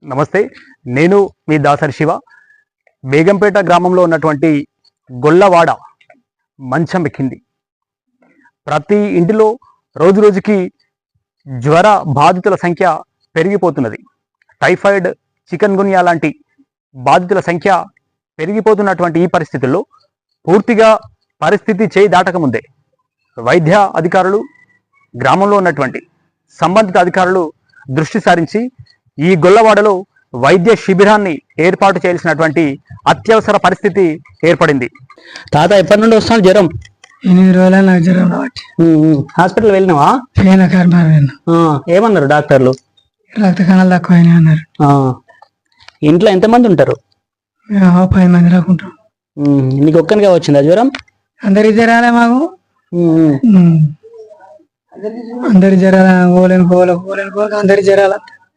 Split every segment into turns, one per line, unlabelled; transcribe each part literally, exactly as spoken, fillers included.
నమస్తే, నేను మీ దాసరి శివ. బేగంపేట గ్రామంలో ఉన్నటువంటి గొల్లవాడ మంచం ఎక్కింది. ప్రతి ఇంటిలో రోజు రోజుకి జ్వర బాధితుల సంఖ్య పెరిగిపోతున్నది. టైఫాయిడ్, చికెన్ గున్యా లాంటి బాధితుల సంఖ్య పెరిగిపోతున్నటువంటి ఈ పరిస్థితుల్లో పూర్తిగా పరిస్థితి చేయి దాటకముందే వైద్య అధికారులు, గ్రామంలో ఉన్నటువంటి సంబంధిత అధికారులు దృష్టి సారించి ఈ గొల్లవాడలో వైద్య శిబిరాన్ని ఏర్పాటు చేయాల్సినటువంటి అత్యవసర పరిస్థితి ఏర్పడింది. తాత ఎప్పటి నుండి వస్తాను జ్వరం?
ఎనిమిది రోజుల నాకు జ్వరం రావట్టి
హాస్పిటల్ వెళ్ళినావా? ఏమన్నారు డాక్టర్లు?
రక్త కణాలు తక్కువ అన్నారు.
ఇంట్లో ఎంతమంది ఉంటారు?
పది మంది రాకుంటాం.
నీకు ఒక్కనిగా వచ్చిందా జ్వరం?
అందరికి జ్వరాలే మాకు. అందరి జ్వరాల ఓలేని పోలే ఓలేని పోలే అందరి జ్వరాల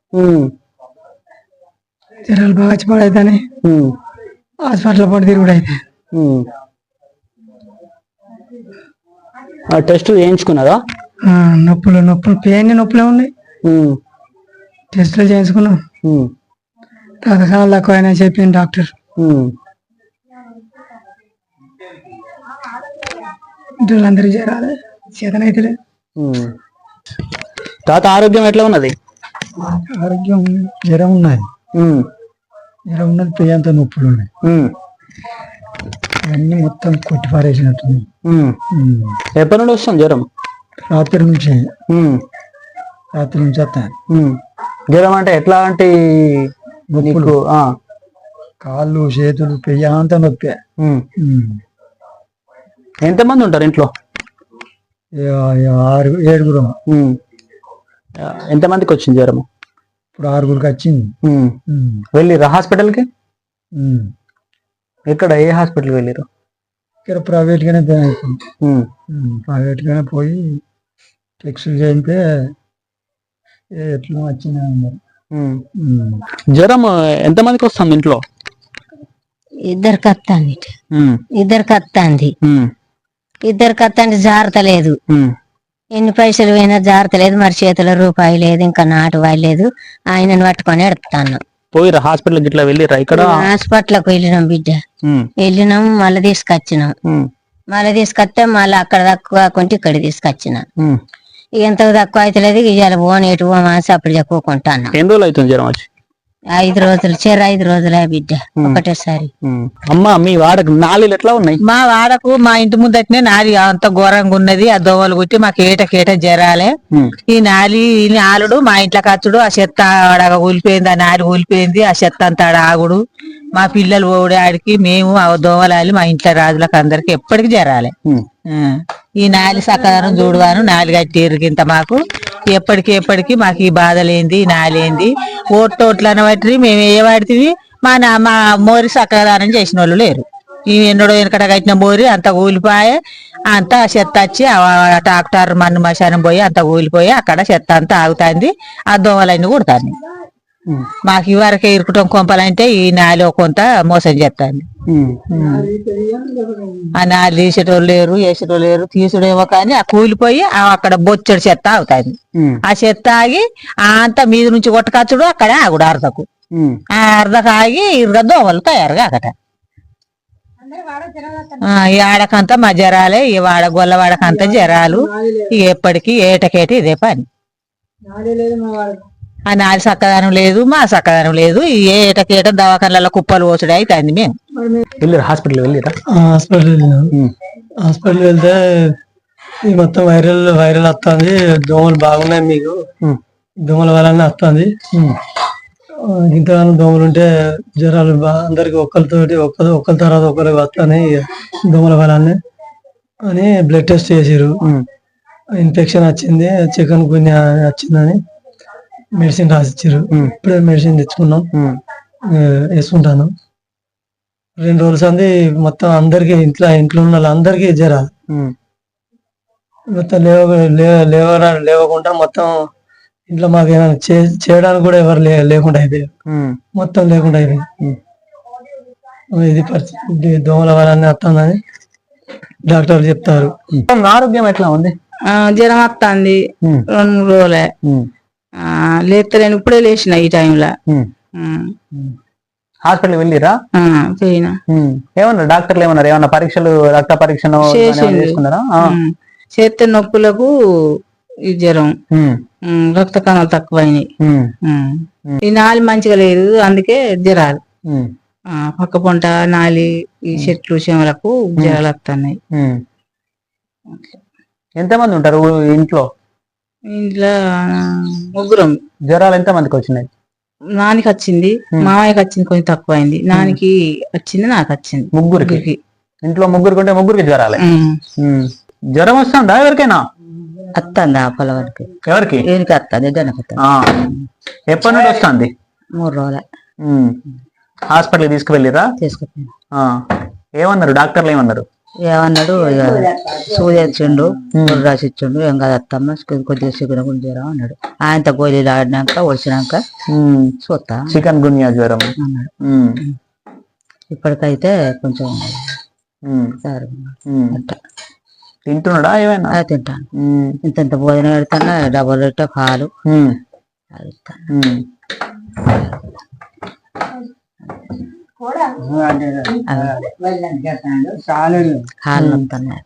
జ్వరాలు బాగా వచ్చి పడైతానే హాస్పిటల్ పడి తిరుగుడు అయితే
టెస్ట్ చేయించుకున్నారా?
నొప్పులు నొప్పులు పెయిన్ నొప్పులే ఉన్నాయి. టెస్టులు చేయించుకున్నాం. రక్తకణాలు తక్కువ అయినా చెప్పింది డాక్టర్. ఇంట్లో జ్వరాలే చేతనైతే.
తాత ఆరోగ్యం ఎట్లా ఉన్నది?
ఆరోగ్యం జ్వరం ఉన్నది. జ్వరం ఉన్నది, పెయ్యంత నొప్పులు ఉన్నాయి. అన్ని మొత్తం కొట్టి పారేసినట్టు.
ఎప్పటి నుండి వస్తుంది జ్వరం?
రాత్రి నుంచి రాత్రి నుంచి వస్తాను.
జ్వరం అంటే ఎట్లాంటి నొప్పులు?
కాళ్ళు, చేతులు, పెయ్య అంతా నొప్పి.
ఎంతమంది ఉంటారు ఇంట్లో?
ఆరు ఏడుగురు.
ఎంతమందికి వచ్చింది జ్వరం?
ఇప్పుడు ఆరుగురికి వచ్చింది.
వెళ్ళిరా హాస్పిటల్కి? ఎక్కడ, ఏ హాస్పిటల్కి వెళ్ళిరు?
ఇక్కడ ప్రైవేట్ గానే ప్రైవేట్ గానే పోయి టెక్స్టులు చేయితే ఎట్లా వచ్చింది అన్నారు.
జ్వరం ఎంతమందికి వస్తుంది ఇంట్లో?
ఇద్దరికి వస్తుంది. ఇద్దరికి వస్తుంది. ఇద్దరికి వస్తుంది. జాగ్రత్త లేదు. ఎన్ని పైసలు పోయినా జాగ్రత్త లేదు. మరి చేతిలో రూపాయి లేదు, ఇంకా నాటు వాయి లేదు. ఆయనను పట్టుకొని ఎడతాను.
పోయిరా హాస్పిటల్ ఇట్లా వెళ్ళిరా? ఇక్కడ
హాస్పిటల్కి వెళ్ళినాం బిడ్డ. వెళ్ళినాం, మళ్ళీ తీసుకొచ్చినాం. మళ్ళీ తీసుకొస్తే మళ్ళీ అక్కడ తక్కువ కాకుంటే ఇక్కడ తీసుకొచ్చిన. ఎంత తక్కువ అయితే లేదు. ఇవాళ పోని ఎటు పోమాసి అప్పుడు చెప్పుకుంటాను.
ఎన్ని రోజులు అవుతుంది జ్వరం వచ్చి?
ఐదు రోజులు చెర ఐదు రోజులే బిడ్డ ఒకటేసారి.
అమ్మా, మీ వాడకు నాలుగు ఎట్లా ఉన్నాయి?
మా వాడకు మా ఇంటి ముందటనే నాలి అంత ఘోరంగా ఉన్నది. ఆ దోవలు కుట్టి మాకు ఏటకేట జరాలే. ఈ నాలి నాలుడు మా ఇంట్లోకి వచ్చుడు, ఆ చెత్త ఆడ ఊలిపోయింది, ఆ నాలి ఊలిపోయింది, ఆ చెత్త అంతా ఆడ ఆగుడు, మా పిల్లలు ఓడి ఆడికి మేము ఆ దోవలాలి మా ఇంట్లో రాజులకు అందరికి ఎప్పటికి జరాలే. ఈ నాలి సక్కదనం చూడవాను, నాలి కట్టిరు ఇంత మాకు ఎప్పటికి ఎప్పటికి మాకు ఈ బాధలేంది, నాలేంది. ఓట్టోట్లను బట్టి మేము ఏ వాడితే మా నా మా మోరి సక్కదనం చేసిన వాళ్ళు లేరు. ఈ ఎన్నడో వెనకట కట్టిన మోరి అంత కూలిపోయే, అంతా చెత్త వచ్చి ట్రాక్టర్ మన్ను మశానం పోయి అంత కూలిపోయి అక్కడ చెత్త అంతా ఆగుతుంది. ఆ దోమలన్నీ కుడుతుంది. మాకు ఇవరకే ఇరుకుటం కొంపలంటే ఈ నాలో కొంత మోసం చేస్తుంది. ఆ నాలు తీసేటోళ్ళు లేరు, వేసేటోళ్ళు లేరు. తీసుడేమో కానీ ఆ కూలిపోయి అక్కడ బొచ్చడి చెత్త ఆగుతుంది. ఆ చెత్త ఆగి అంతా మీద నుంచి కొట్టకచ్చుడు అక్కడే ఆగుడు అర్ధకు. ఆ అర్ధకు ఆగి ఇరుగ దోమలు తయారుగా అక్కడ. ఈ ఆడకంతా మా జరాలే, ఈ వాడ గొల్లవాడకంతా జరాలు. ఎప్పటికీ ఏటకేటి ఇదే పని. ఆ నాలి సక్కదనం లేదు, మా సక్కదనం లేదు. ఏ ఏటకేట దవాఖానల కుప్పలు పోసుడు అవుతుంది. మేము
వెళ్ళారు హాస్పిటల్? వెళ్ళిరా?
హాస్పిటల్ వెళ్ళినాం. హాస్పిటల్ వెళ్తే మొత్తం వైరల్ వైరల్ వస్తుంది, దోమలు బాగున్నాయి మీకు, దోమల వలన వస్తుంది. ఇంతగానో దోమలు ఉంటే జ్వరాలు అందరికి ఒక్కరితోటి ఒక్కరు ఒక్కరి తర్వాత ఒకరికి వస్తాయి దోమల వలనే అని బ్లడ్ టెస్ట్ చేసారు. ఇన్ఫెక్షన్ వచ్చింది, చికెన్ గున్యా వచ్చిందని మెడిసిన్ రాసిచ్చారు. ఇప్పుడే మెడిసిన్ తెచ్చుకున్నాం, వేసుకుంటాను. రెండు రోజుల సంది మొత్తం అందరికి ఇంట్లో ఇంట్లో ఉన్న వాళ్ళందరికీ జరాలు. మొత్తం లేవ లేవ లేవకుండా మొత్తం ఇంట్లో మాకు ఏమైనా చేయడానికి కూడా ఎవరు లేకుండా అయిపోయారు. మొత్తం లేకుండా అయిపోయింది. ఇది పరిస్థితి. దోమల వలన వస్తుందని డాక్టర్లు చెప్తారు.
ఆరోగ్యం ఎట్లా ఉంది?
జ్వరం వస్తుంది రెండు మూడు రోజులే. లేస్తలేను, ఇప్పుడే లేచిన ఈ టైంలో.
హాస్పిటల్ వెళ్ళిరా?
పోయినా.
ఏమన్నారు డాక్టర్లు? ఏమన్నారు? ఏమన్నా పరీక్షలు, రక్త పరీక్షను చేసుకున్నారా?
చేతి నొప్పులకు ఈ జ్వరం, రక్త కణాలు తక్కువైనాయి. ఈ నాలి మంచిగా లేదు, అందుకే జ్వరాలు. పక్క పొంట నాలి ఈ చెట్లు చేమలకు జ్వరాలు వస్తున్నాయి.
ఎంతమంది ఉంటారు ఇంట్లో?
ఇంట్లో ముగ్గురం.
జ్వరాలు ఎంత మందికి వచ్చినాయి?
నానికి వచ్చింది, మామయ్యకి వచ్చింది, కొంచెం తక్కువ అయింది. నానికి వచ్చింది, నాకు వచ్చింది.
ముగ్గురికి ఇంట్లో ముగ్గురికి ఉంటే ముగ్గురికి జ్వరాలే. జ్వరం వస్తుందా ఎవరికైనా?
వస్తుంది ఆ పొలవారికి.
ఎవరికి?
ఈయనకి వస్తుంది, జనకి
ఎప్పటి నుండి వస్తుంది?
మూడు రోజులే.
హాస్పిటల్ తీసుకువెళ్ళిరా?
తీసుకుపోయినా.
ఏమన్నారు డాక్టర్లు? ఏమన్నారు?
ఏమన్నాడు, ఇక సూది ఇచ్చిండు, రాసి ఇచ్చిండు, ఏం కాదు అత్తమ్మ కొద్దిగా చికెన్ గుంజరా అన్నాడు. ఆయనతో గోళీలు ఆడినాక వచ్చినాక చూస్తా
చికెన్ గున్యా జ్వరం
అన్నాడు. ఇప్పటికైతే కొంచెం
తింటున్నాడా? ఏమైనా
తింటాను. ఇంత ఇంత భోజనం పెడతాను, డబల్ రొట్టె పాలు కాళ్ళు వస్తున్నాయి.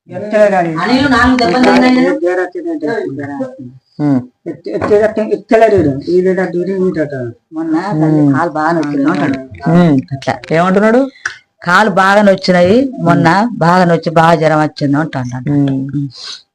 ఏమంటున్నాడు?
కాలు బాగా నొచ్చినాయి, మొన్న బాగా నొచ్చి బాగా జ్వరం వచ్చింది అంటాడు.